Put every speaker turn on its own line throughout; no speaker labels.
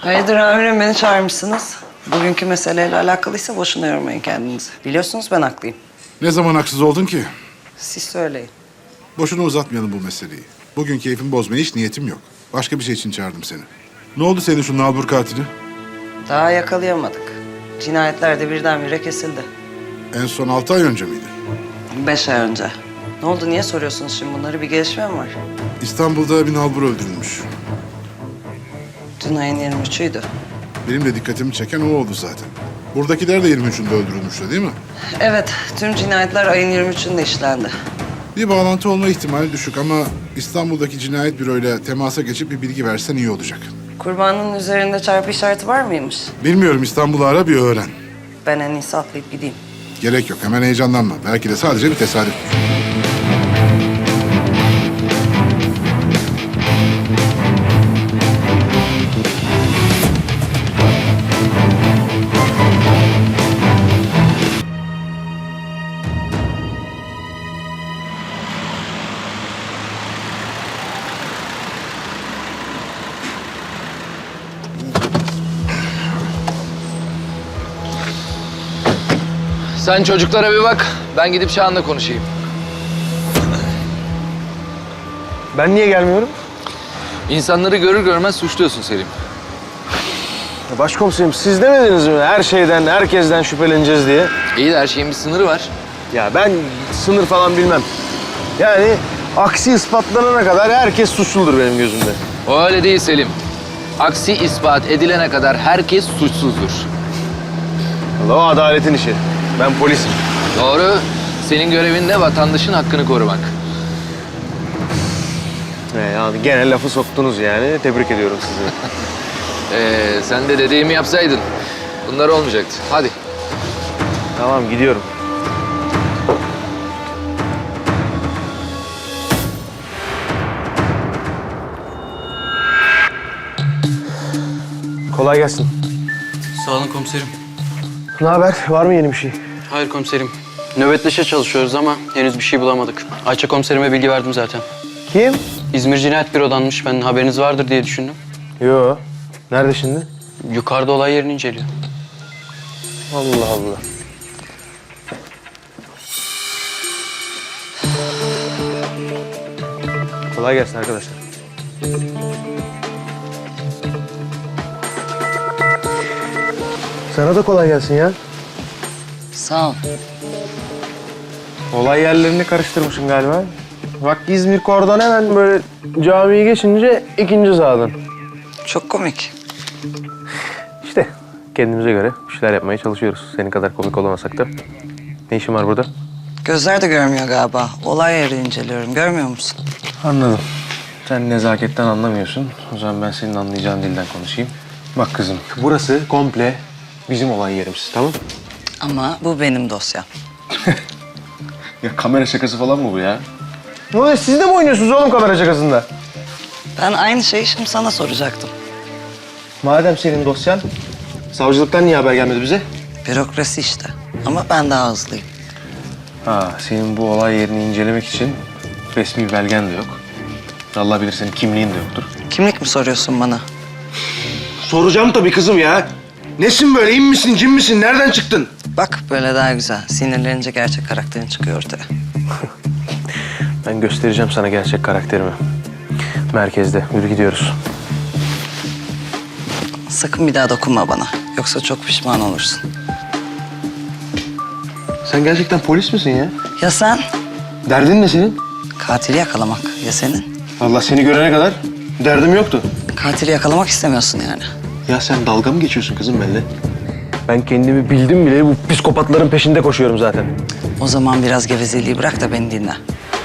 Hayırdır amirim, beni çağırmışsınız. Bugünkü meseleyle alakalıysa boşuna yormayın kendinizi. Biliyorsunuz ben haklıyım.
Ne zaman haksız oldun ki?
Siz söyleyin.
Boşuna uzatmayalım bu meseleyi. Bugün keyfimi bozmaya hiç niyetim yok. Başka bir şey için çağırdım seni. Ne oldu senin şu nalbur katili?
Daha yakalayamadık. Cinayetler de birdenbire kesildi.
En son 6 ay önce miydi?
5 ay önce. Ne oldu, niye soruyorsunuz şimdi bunları? Bir gelişme mi var?
İstanbul'da bir nalbur öldürülmüş.
Dün ayın 23'üydü.
Benim de dikkatimi çeken o oldu zaten. Buradakiler de 23'ünde öldürülmüştü değil mi?
Evet, tüm cinayetler ayın 23'ünde işlendi.
Bir bağlantı olma ihtimali düşük ama İstanbul'daki cinayet büroyla temasa geçip bir bilgi versen iyi olacak.
Kurbanın üzerinde çarpı işareti var mıymış?
Bilmiyorum, İstanbul'u ara bir öğren.
Ben en iyisi atlayıp gideyim.
Gerek yok, hemen heyecanlanma. Belki de sadece bir tesadüf.
Sen çocuklara bir bak, ben gidip Şahan'la konuşayım.
Ben niye gelmiyorum?
İnsanları görür görmez suçluyorsun Selim.
Başkomiserim siz demediniz mi her şeyden, herkesten şüpheleneceğiz diye?
İyi de her şeyin bir sınırı var.
Ya ben sınır falan bilmem. Yani aksi ispatlanana kadar herkes suçludur benim gözümde.
O öyle değil Selim. Aksi ispat edilene kadar herkes suçsuzdur.
Allah, o adaletin işi. Ben polisim.
Doğru. Senin görevin de vatandaşın hakkını korumak.
Yani gene lafı soktunuz yani. Tebrik ediyorum sizi.
Sen de dediğimi yapsaydın bunlar olmayacaktı. Hadi.
Tamam, gidiyorum. Kolay gelsin.
Sağ olun komiserim.
Ne haber? Var mı yeni bir şey?
Hayır komiserim. Nöbetleşe çalışıyoruz ama henüz bir şey bulamadık. Ayça komiserime bilgi verdim zaten.
Kim?
İzmir Cinayet Büro'danmış. Ben haberiniz vardır diye düşündüm.
Yo. Nerede şimdi?
Yukarıda olay yerini inceliyor.
Allah Allah. Kolay gelsin arkadaşlar. Sana da kolay gelsin ya.
Sağ ol.
Olay yerlerini karıştırmışsın galiba. Bak İzmir Kor'dan hemen böyle camiyi geçince ikinci sağdan.
Çok komik.
İşte kendimize göre bir şeyler yapmaya çalışıyoruz. Senin kadar komik olamasak da. Ne işin var burada?
Gözler de görmüyor galiba. Olay yeri inceliyorum. Görmüyor musun?
Anladım. Sen nezaketten anlamıyorsun. O zaman ben senin anlayacağın dilden konuşayım. Bak kızım, burası komple bizim olay yerimiz, tamam?
Ama bu benim dosyam.
Ya kamera şakası falan mı bu ya? Ne oluyor? Siz de mi oynuyorsunuz oğlum kamera şakasında?
Ben aynı şeyi şimdi sana soracaktım.
Madem senin dosyan, savcılıktan niye haber gelmedi bize?
Bürokrasi işte. Ama ben daha hızlıyım.
Ha, senin bu olay yerini incelemek için resmi belgen de yok. Allah bilir senin kimliğin de yoktur.
Kimlik mi soruyorsun bana?
Soracağım tabii kızım ya. Nesin böyle? İn misin, cin misin? Nereden çıktın?
Bak böyle daha güzel. Sinirlenince gerçek karakterin çıkıyor ortaya.
Ben göstereceğim sana gerçek karakterimi. Merkezde. Yürü gidiyoruz.
Sakın bir daha dokunma bana. Yoksa çok pişman olursun.
Sen gerçekten polis misin ya?
Ya sen?
Derdin ne senin?
Katili yakalamak. Ya senin?
Allah seni görene kadar derdim yoktu.
Katili yakalamak istemiyorsun yani.
Ya sen dalga mı geçiyorsun kızım benimle? Ben kendimi bildim bile bu psikopatların peşinde koşuyorum zaten.
O zaman biraz gevezeliği bırak da beni dinle.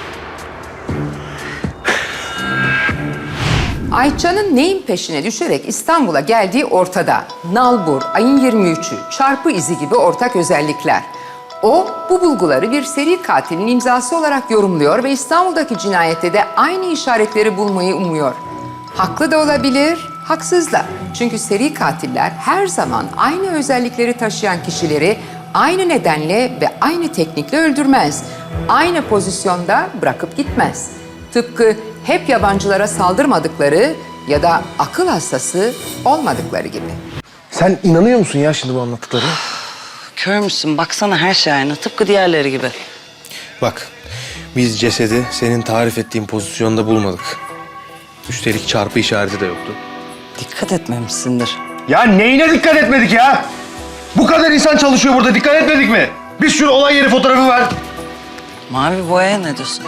Ayça'nın neyin peşine düşerek İstanbul'a geldiği ortada. Nalbur, ayın 23'ü, çarpı izi gibi ortak özellikler. O, bu bulguları bir seri katilin imzası olarak yorumluyor ve İstanbul'daki cinayette de aynı işaretleri bulmayı umuyor. Haklı da olabilir, haksız da. Çünkü seri katiller her zaman aynı özellikleri taşıyan kişileri aynı nedenle ve aynı teknikle öldürmez. Aynı pozisyonda bırakıp gitmez. Tıpkı hep yabancılara saldırmadıkları ya da akıl hastası olmadıkları gibi.
Sen inanıyor musun ya şimdi bu anlattıklarına?
Kör müsün? Baksana her şey aynı. Tıpkı diğerleri gibi.
Bak, biz cesedi senin tarif ettiğin pozisyonda bulmadık. Üstelik çarpı işareti de yoktu.
Dikkat etmemişsindir.
Ya neyine dikkat etmedik ya? Bu kadar insan çalışıyor burada, dikkat etmedik mi? Biz şunu olay yeri fotoğrafı ver.
Mavi boyaya ne diyorsun?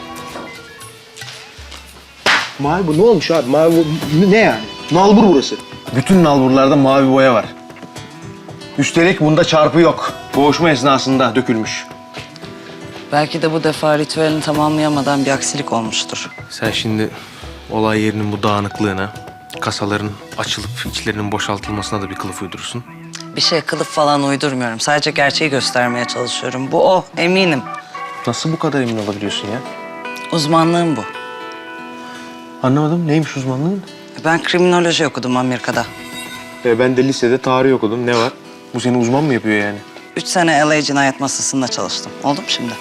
Mavi bu ne olmuş abi? Mavi bu ne yani? Nalbur burası.
Bütün nalburlarda mavi boya var. Üstelik bunda çarpı yok. Boğuşma esnasında dökülmüş.
Belki de bu defa ritüelini tamamlayamadan bir aksilik olmuştur.
Sen şimdi olay yerinin bu dağınıklığına, kasaların açılıp içlerinin boşaltılmasına da bir kılıf uydurursun.
Bir şey kılıf falan uydurmuyorum. Sadece gerçeği göstermeye çalışıyorum. Bu o, eminim.
Nasıl bu kadar emin olabiliyorsun ya?
Uzmanlığım bu.
Anlamadım. Neymiş uzmanlığın?
Ben kriminoloji okudum Amerika'da.
Ben de lisede tarih okudum. Ne var? Bu seni uzman mı yapıyor yani?
3 sene LA cinayet masasında çalıştım. Oldu mu şimdi?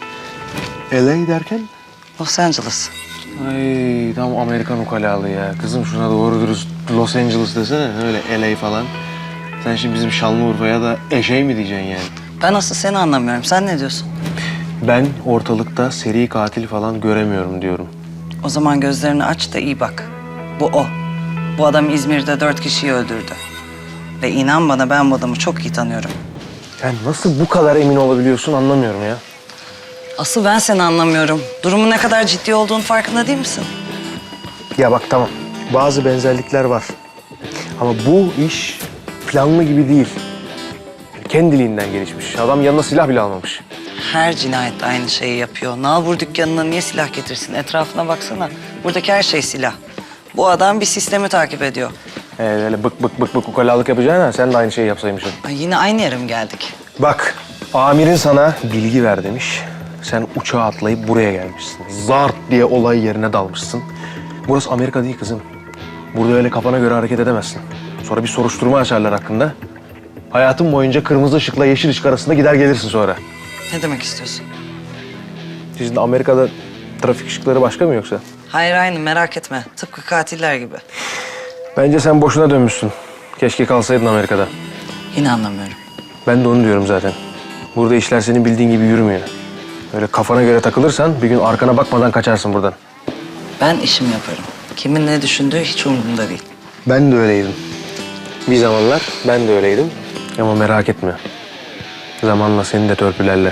LA derken?
Los Angeles.
Ay tam Amerikan ukalalığı ya. Kızım şuna doğru dürüst Los Angeles desene. Öyle LA falan. Sen şimdi bizim Şanlıurfa'ya da eşeği mi diyeceksin yani?
Ben asıl seni anlamıyorum. Sen ne diyorsun?
Ben ortalıkta seri katil falan göremiyorum diyorum.
O zaman gözlerini aç da iyi bak. Bu o. Bu adam İzmir'de 4 kişiyi öldürdü. Ve inan bana ben bu adamı çok iyi tanıyorum.
Sen nasıl bu kadar emin olabiliyorsun anlamıyorum ya.
Asıl ben seni anlamıyorum. Durumun ne kadar ciddi olduğunu farkında değil misin?
Ya bak tamam. Bazı benzerlikler var. Ama bu iş planlı gibi değil. Kendiliğinden gelişmiş. Adam yanına silah bile almamış.
Her cinayet aynı şeyi yapıyor. Nalbur dükkanına niye silah getirsin? Etrafına baksana. Buradaki her şey silah. Bu adam bir sistemi takip ediyor.
Öyle bık ukalalık yapacağına sen de aynı şeyi yapsaymışsın.
Ay, yine aynı yere mi geldik?
Bak, amirin sana bilgi ver demiş. Sen uçağa atlayıp buraya gelmişsin. Zart diye olay yerine dalmışsın. Burası Amerika değil kızım. Burada öyle kafana göre hareket edemezsin. Sonra bir soruşturma açarlar hakkında. Hayatın boyunca kırmızı ışıkla yeşil ışık arasında gider gelirsin sonra.
Ne demek istiyorsun?
Sizin de Amerika'da trafik ışıkları başka mı yoksa?
Hayır, aynı, merak etme. Tıpkı katiller gibi.
Bence sen boşuna dönmüşsün. Keşke kalsaydın Amerika'da.
Yine anlamıyorum.
Ben de onu diyorum zaten. Burada işler senin bildiğin gibi yürümüyor. Öyle kafana göre takılırsan bir gün arkana bakmadan kaçarsın buradan.
Ben işimi yaparım. Kimin ne düşündüğü hiç umurumda değil.
Ben de öyleydim. Bir zamanlar ben de öyleydim. Ama merak etme. Zamanla seni de törpülerler.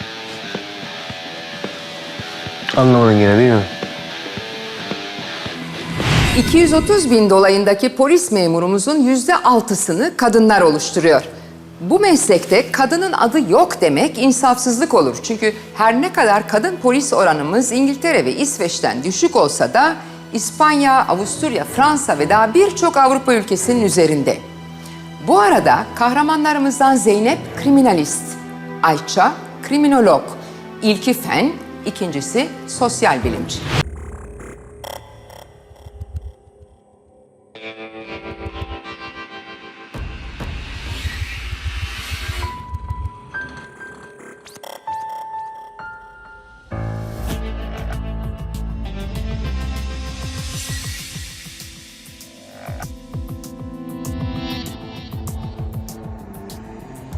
Anlamadın yine değil mi?
230 bin dolayındaki polis memurumuzun %6'sını kadınlar oluşturuyor. Bu meslekte kadının adı yok demek insafsızlık olur. Çünkü her ne kadar kadın polis oranımız İngiltere ve İsveç'ten düşük olsa da İspanya, Avusturya, Fransa ve daha birçok Avrupa ülkesinin üzerinde. Bu arada kahramanlarımızdan Zeynep kriminalist, Ayça kriminolog, ilki fen, ikincisi sosyal bilimci.